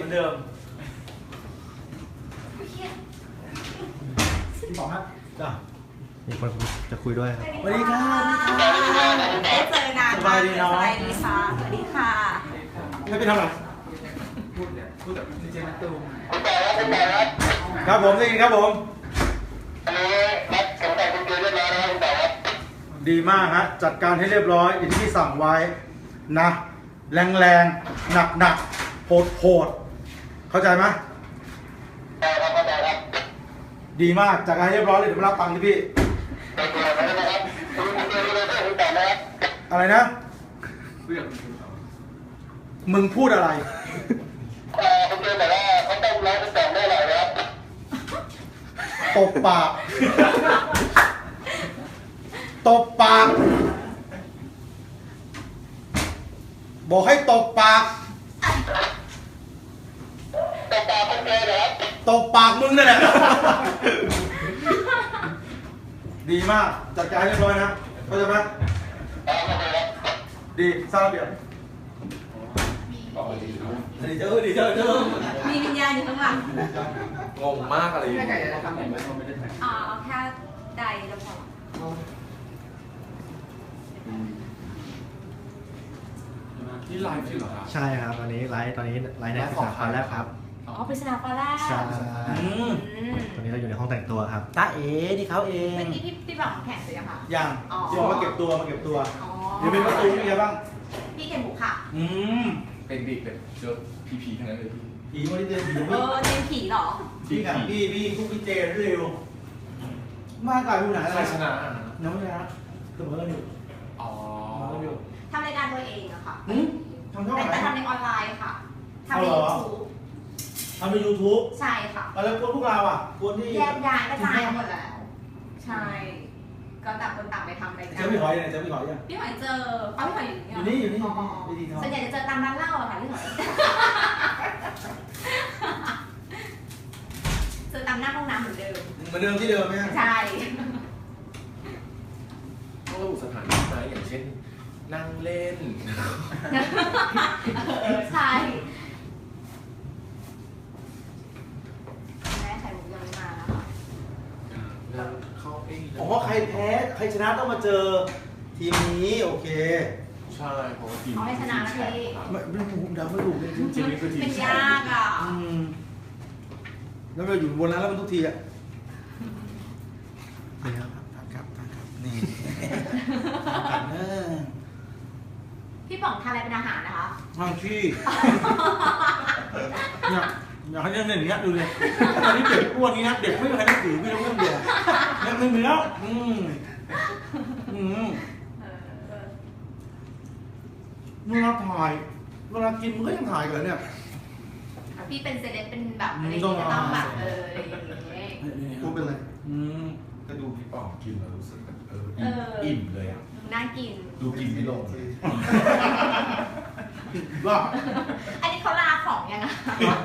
เหมือนเดิมพี่ป๋องครับจ้ะมีคนจะคุยด้วยครับสวัสดีครับได้เจอนานสบายดีเนาะสบายดีค่ะสวัสดีค่ะให้ไปทำอะไรพูดแบบดีเจนัตตูมครับผมได้ยินครับผมดีมากฮะจัดการให้เรียบร้อยอย่างที่พี่สั่งไว้นะแรงแรงหนักหนักโหดโหดเข้าใจไหมดีมากจัดการให้เรียบร้อยเลยเดี๋ยวมารับตังค์ที่พี่อะไรนะมึงพูดอะไรตบปากตบปากบอกให้ตบปากตบปากมึงนั่นแหละดีมากจัดการเรียบร้อยนะเข้าใจไหมดีสร้างระเบียบดีเจ้าดีเจ้ามีวิญญาณอยู่ข้างหลังงงมากอะไรอย่างไม่เงี้ไก่ยจะทำแบบไม่ได้ถ่ายเอาแค่ใดแล้วพอนี่ไลฟ์อยู่เหรอครับใช่ครับตอนนี้ไลฟ์ในสาขาแรกครับอ๋อปริศนาฟ้าแรกใช่อืมตอนนี้เราอยู่ในห้องแต่งตัวครับตาเอ๋ที่เขาเองเมื่อกี้พี่บอกแข่งเสร็จยังคะยังอ๋อเดี๋ยวมาเก็บตัวมาเก็บตัวอ๋อเดี๋ยวเป็นประตูมีอะไรบ้างพี่เก่งบุกค่ะเป็นเด็กแบบเจอผีทั้งนั้นเลยพี่ผีวันนี้เจอผีเออเจนผีเหรอพี่กับพี่คุกพี่เจเร็วมากกว่าดูหนังอะใคไรรชนะน้องชนะเสมอกันอยู่อ๋อเสมอกันอยู่ทำรายการตัวเองอะค่ะทำเท่าไหร่แต่ทำในออนไลน์ค่ะทำในเอาเหรอ YouTube ทำใน YouTube ใช่ค่ะแล้วพวกเราอ่ะคนที่แยกย้ายกระจายหมดแล้ว ใช่ ก็ต่างคนต่างไปทำรายการเจอพี่หอยยังไงเจอพี่หอยยังพี่หอยเจอเอาพี่หอยอยู่อยู่นี่อ๋อวิธีทำส่วนใหญ่จะเจอตามร้านเหล้าอะค่ะพี่หอย เจอตามหน้าห้องน้ำเหมือนเดิมเหมือนเดิมที่เดิมไหมฮะใช่ต้องระบุสถานที่ไหมอย่างเช่น นั่งเล่นใช่แม่ไข่มุกยังไม่มาแล้วค่ะนั่งเข้าเองผมว่าใครแพ้ใครชนะต้องมาเจอทีมนี้โอเคใช่เพราะว่าทีมเอาให้ชนะนะพี่ไม่ผมเดาไม่ถูกเลยจริงทีมนี้คือทีมเป็นแชยามป์กอ่ะแล้วเราอยู่บนนั้นแล้วมันทุกทีอ่ะนี่ครับนี่พี่ป๋องทานอะไรเป็นอาหารนะคะทางที่เนี่ยอยากให้เรื่องอย่างเงี้ยดูเลยตอนนี้เด็กอ้วนนี้นะเด็กไม่มีใครนับถือพี่ต้องเรื่องเดียวเนี่ยไม่มีแล้วเวลาถ่ายเวลากินมันก็ยังถ่ายกันเนี่ยพี่เป็นเซเลบเป็นแบบอะไรอย่างต้เงี้องยต้องแบบอะไรอย่างเงี้ยพูดเป็นไรก็ดูพี่ป๋องกินแล้วรู้สึกแบบเอออิ่อิ่มเลยอ่ะน่ากินดูกินไม่ลงว่าอันนี้เขาลาของยังอะ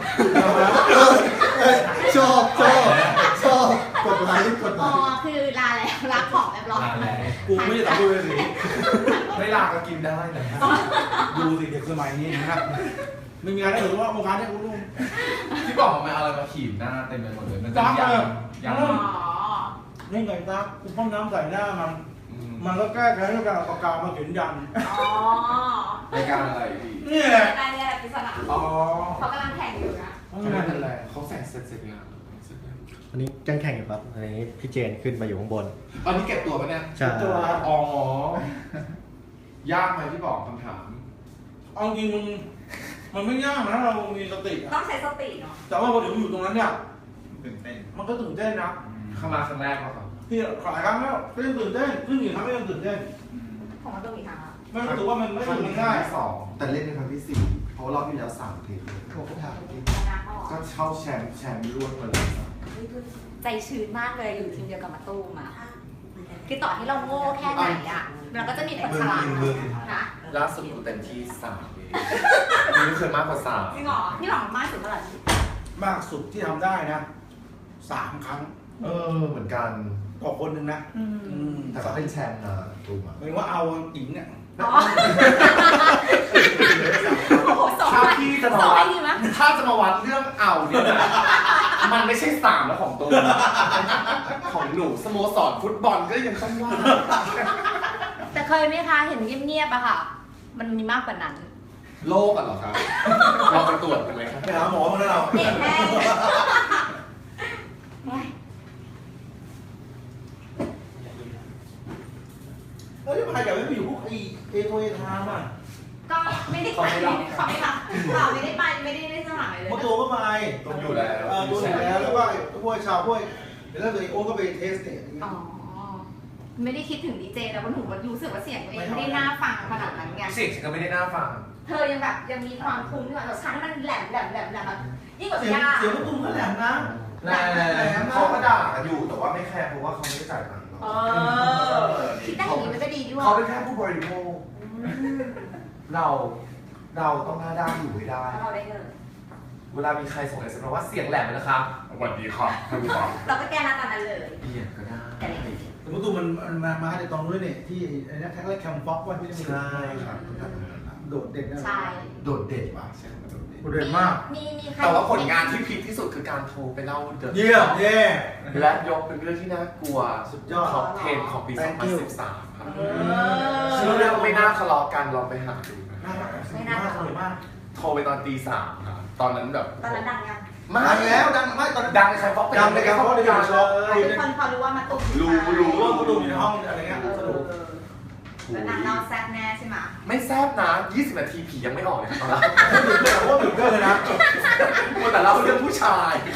ชอบกดไลค์กดไลอ๋อค์คือลาแล้วลาของเรียบร้อยลาแล้วกูไม่ได้ตัดดูเลยสิไม่ลาก็กินได้นะดูสิเด็กสมัยนี้นะครับไม่มีการได้เห็นว่าวงการเนี่ยกูรู้พี่ป๋องเอาอะไรมาขีดหน้าเต็มไปหมดเลยมันจะจ้ายังเลยยังอ๋อนี่ไงตากูพ่นน้ำใส่หน้ามันก็แก้แค้นด้วยการเอาปากกามาเขียนยันอ๋อรายการอะไรพี่นี่แหละได้ได้ปริศนาอ๋อเขากำลังแข่งอยู่นะไม่เป็นไรเขาแสงเสร็จงานวันนี้แข่งอยู่ครับอันนี้พี่เจนขึ้นมาอยู่ข้างบนตอนนี้เก็บตัวปะเนี่ยใช่ตัวอ๋อ ยากไหมพี่ป๋องคำถามเอาจริงมันไม่ยากนะเรามีสติต้องใช้สติเนาะแต่ว่าพอถึงอยู่ตรงนั้นเนี่ยตื่นเต้นมันก็ตื่นเต้นนะเข้ามาครั้งแรกแล้วครับที่ขายครั้งแล้วก็ยังตื่นเต้นซึ่งอีกครั้งก็ยังตื่นเต้นของมันต้องมีทางอะไม่รู้สึกว่ามันไม่ครั้งถึนี้งครั้ง่าง ยที่สองแต่เล่นในครั้งที่ 4 เพราะรอบที่แล้ว3 เทปเลยโอ้โหถามจริงชนะก็ก็เข้าแชมป์ร่วมมาเลยครับใจชื้นมากเลยอยู่ทีมเดียวกับมาตู้มอะคือต่อให้เราโง่แค่ไหนอะเราก็จะมีคนฉลาดนะล่าสุดกูเต็มที่3เองนี่ไม่เคยมากกว่าจริงเหรอพี่หวังมากสุดเท่าไหร่มากสุดที่ทำได้นะ3 ครั้ง 3เออเหมือนกันต่อคนหนึ่งนะแต่ก็เป็นแชมป์นะตูมาหมายถึงว่าเอาหญิงเนี่ยอ๋อโอ้โหสองถ้าไปพี่จะสมาองไปวัดดีมั้ยถ้าจะมามาวัดเรื่องเอาเนี่ยนะมันไม่ใช่3แล้วของตูนของหนูสโมสรฟุตบอลก็ยังต้องว่าแต่เคยไหมคะเห็นเงียบๆอะค่ะ มันมีมากกว่านั้นโรคอะเหรอครับเราไปตรวจกันไหมครับไปหาหมอมาแล้วเราเด็กแม่โอ๊ยแล้วที่พายอยากให้ไปอยู่พวกเอโทเอทามอ่ะก็ไม่ได้ไปเขาไม่รับข่าวไม่ได้ไปไม่ได้สมัครเลยเมื่อตัวก็ไปต้องอยู่แล้วตัวอยู่แล้วแล้วก็พวกชาวพวกเดี๋ยวถ้าเกิดโอ้ก็ไปเทสเนี่ยอย่างเงี้ยอ๋อไม่ได้คิดถึงดีเจแล้วว่าหนูรู้สึกว่าเสียงตัวเองไม่ได้น่าฟังขนาดนั้นไงเสียงฉันก็ไม่ได้น่าฟังเธอยังแบบยังมีความคุ้มที่ว่าฉันมันแหลมแบบยิ่งกว่าเสียงยาเสียงลูกตุ้มก็แหลมนะเขาก็ด่ากันอยู่แต่ว่าไม่แคร์เพราะว่าเขาไม่ได้จ่ายตังค์เราคิดได้อย่างนี้มันก็ดีด้วยเขาเป็นแค่ผู้บริโภคเราต้องหน้าด้านอยู่ให้ได้เราได้เงินเวลามีใครส่งอะไรมาว่าเสียงแหลมนะครับสวัสดีครับท่านผู้ฟังเราก็แก้หน้าตอนนั้นเลยเปลี่ยนก็ได้แต่เล็กแต่ลูกตุ้มมันมาในตอนนู้นเนี่ยที่ไอ้นี่แท็กแรกแคมฟ็อกว่าที่นี่ใช่ครับโดดเด่นนะใช่โดดเด่นว่ะใช่ไหมโดดเด่นโดดเด่นมากมีใครแต่ว่าผลงานที่พีคที่สุดคือการโทรไปเล่าเดอะเยี่ยมเย่และยกเป็นเรื่องที่น่ากลัวสุดยอดท็อป10ของปี 2013 ครับเอชื่อเรื่องไม่น่าทะเลาะกันลองไปหาดูนะน่ารักสวยมากสวยมากโทรไปตอนตี 3ครับตอนนั้นแบบตอนนั้นดังยังดังแล้วดังไม่ตอนดังในใครฟอกดังในการเพราะว่าในการช็อปทุกคนพอรู้ว่ามาตุ้มรู้ว่าลูกตุ้มอยู่ในห้องอะไรเงี้ยสนุกแล้วนางนอนแซ่บแน่ใช่ไหมไม่แซ่บนะ 20 นาทีผียังไม่ออกเลยครับตอนนั้นโคตรตื่นเต้นเลยนะแต่เราเรื่องผู้ชาย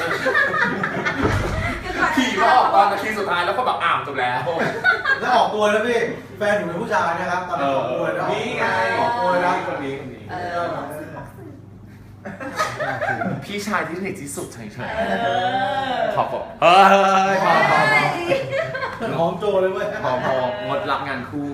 ผีมาออกตอนนาทีสุดท้ายแล้วก็แบบจบแล้วแล้วออกตัวแล้วพี่แฟนหนูเป็นผู้ชายนะครับตอนนั้นออกตัวแล้วนี่ไงออกตัวแล้วคนนี้ พี่ชายที่สนิทที่สุดใช่ขอบเฮ้ยพอหอมโจเลยเว้ยงดรับงานคู่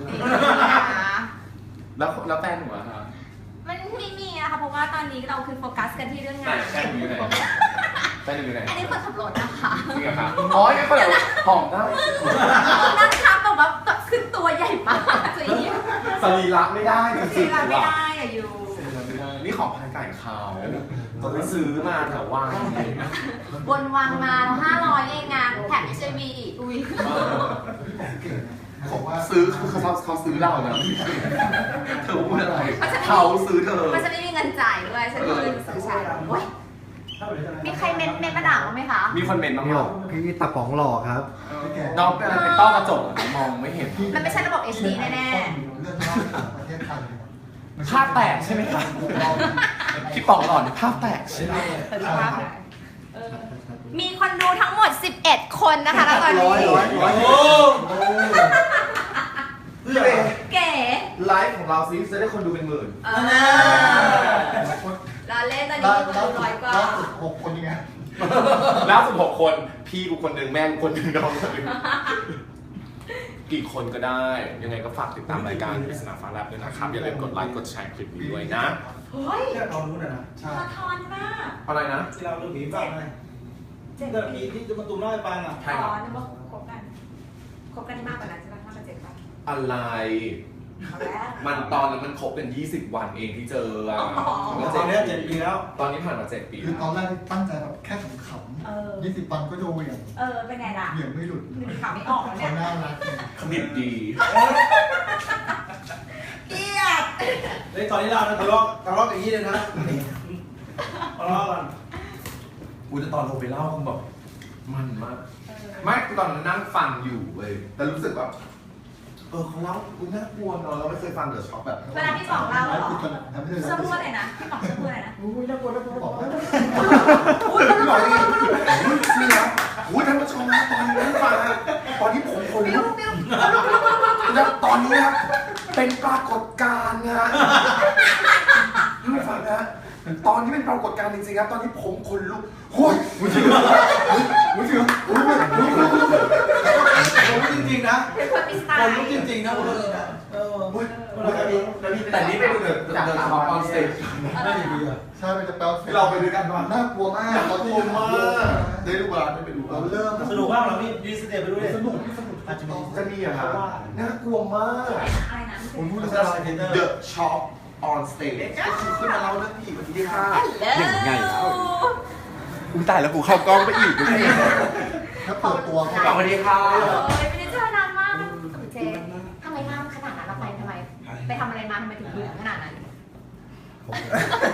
แล้วแฟนหนูอะคะมันไม่มีอะค่ะเพราะว่าตอนนี้เราคือโฟกัสกันที่เรื่องไหนงานแฟนหนูอยู่ไหนแฟนหนูอยู่ไหนอันนี้คนขับรถนะคะจริงเหรอคะอ๋อยังก็แบบหอมได้นั่งทับแบบว่าขึ้นตัวใหญ่มากตัวนี้สรีระไม่ได้จสีริงเราๆไม่ได้อะอยู่นี่ของพันไก่เขาตอนไปซื้อมาแถวว่างบนวางมา500เองงานแถมไม่ใช่วีอีกอุ้ยบอกว่าซื้อเขาซื้อเรานะเธอพูดอะไรเขาซื้อเธอมันจะไม่มีเงินจ่ายด้วยฉันก็เลยซื้อใช้โอ้ยมีใครเม้นมาด่าบ้างไหมคะมีคนเมนต์บ้างพี่ไหบมอกพี่ตาป๋องหล่อครับน้องเป็นอะไรเป็นต้อกระจกมองไม่เห็นมันไม่ใช่ระบบ HD แน่เรื่องนอกประเทศไทยภาพแตกใช่ไหมครับพี่ป๋องหล่อนภาพแตกใช่ไหมๆมีคนดูทั้งหมด11คนนะคะแล้วตอนนี้โอ้โหเพื่อเก๋ไลฟ์ของเราซิจะได้คนดูเป็นหมื่นเราเล่นตอนนี้มีคนดู100กว่า 6 คนยังไงล่าสุด6 คนพี่กูคนหนึ่งแม่กูคนหนึ่งน้องคนหนึ่งกี่คนก็ได้ ยังไงก็ฝากติดตามรายการปริศนาฟ้าแลบด้วยนะครับ อย่าลืมกดไลค์กดแชร์คลิปนี้ด้วยนะเฮ้ยแค่ตอนนู้นนะใช่สะท้อนมากอะไรนะที่เราเรื่องผีฟังไงเรื่องผีที่จะมาตุ้มเล่าให้ฟังอ่ะใช่ครับนึกว่าคบกันมากกว่านั้นใช่ไหมมากกว่า7 วันอะไรเอาแล้วมันตอนนั้นมันครบกัน20 วันเองที่เจออ่ะตอนนี้7 ปีแล้วตอนนี้ผ่านมา7 ปีคือตแล้อนวแรกตั้งใจแบบแค่ขำๆ20 วันก็โดนเหวี่ยงเป็นไงล่ะเหวี่ยงไม่หลุดมีข่าวไม่ออกแล้วเนี่เขายน่ารักเนี่ยคณิตดีเกลียดในตอนนี้เราทะเลาะอย่างนี้เลยนะทะเลาะกันกูจะตอนลงไปเล่าคงแบบมันมาก ไม่ตอนนั้นนั่งฟังอยู่เว้ยแต่รู้สึกแบบเขาเล่ากูน่ากลัวเนอะเราไม่เคยฟังเดอะช็อคแบบเวลาพี่ป๋องเล่าเหรอคือตอนนั้นทำให้เธอเชื่อพูดอะไรนะพี่ป๋องเชื่อพูดอะไรนะอุ้ยน่ากลัวน่ากลัวบอกว่าพี่บอกนี่นี่นะอุ้ยท่านผู้ชมนะตอนนี้นั่งฟังนะตอนนี้ผมคนลุกแล้วตอนนี้นะเป็นปรากฏการณ์นะท่านผู้ฟังนะตอนนี้เป็นปรากฏการณ์จริงๆครับตอนนี้ผมคนลุกโอ้ยมึงเชื่อมึงเชื่อมึงเชื่อคนลุกจริงๆนะเป็นคนมีสไตคนล์ลุกจริงๆนะคนลุกนะแต่นี่เป็นเดินช็อปออนสเตจน่าดีอ่ะใช่มันจะแปลเราไปด้วยกันมาน่ากลัวมากเราที่อยู่ได้ดูบ้านได้ไปดูเราเริ่มสนุกมากเราพี่ดีสเตปไปด้วยสนุกที่สนุกอาจจะมีจะมีอะครับน่ากลัวมากอะไรนะผมพูดมันแล้จะวลายเทนเนอร์ The Shop on Stage ก็คือขึ้นมาเล่าเรื่องผีวันที่5 อย่างไงแล้วกูตายแล้วกูเข้ากล้องไปอีกถ้าเปิดตัวเขาสวัสดีค่ะไม่ได้เจอนานมากเจ๊ทำไมหน้ามันขนาดนั้นเราไปทำไม ไปทำอะไรมาทำไมถึงเหลืองขนาดนั้น